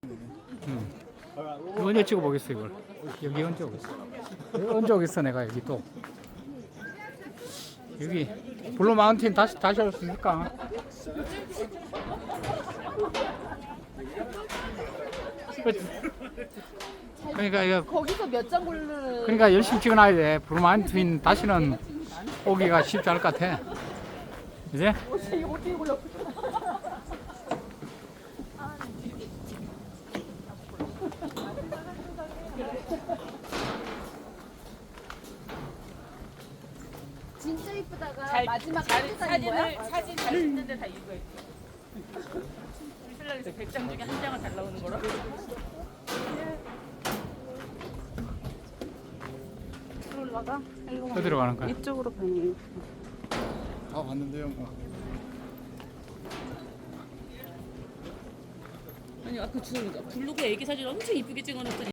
언제 찍어보겠어 이걸. 여기 언제 오겠어? 여기 언제 오겠어 내가 여기 또. 여기 블루 마운틴 다시 올 수 있을까? 그러니까 이거 거기서 몇 장 고르는. 그러니까 열심히 찍어놔야 돼. 블루 마운틴 다시는 오기가 쉽지 않을 것 같아. 이제? 어떻게 골라? 진짜 이쁘다가 마지막 사진 사진 잘 찍는데 다 이유가 있어. 우리 신랑에서 100장 중에 한 장은 잘 나오는 거라. 올라가? 어디로 가는 거야? 이쪽으로 가는 다 왔는데요, 뭐. 아니 아까 블로그 애기 사진 엄청 이쁘게 찍어놨더니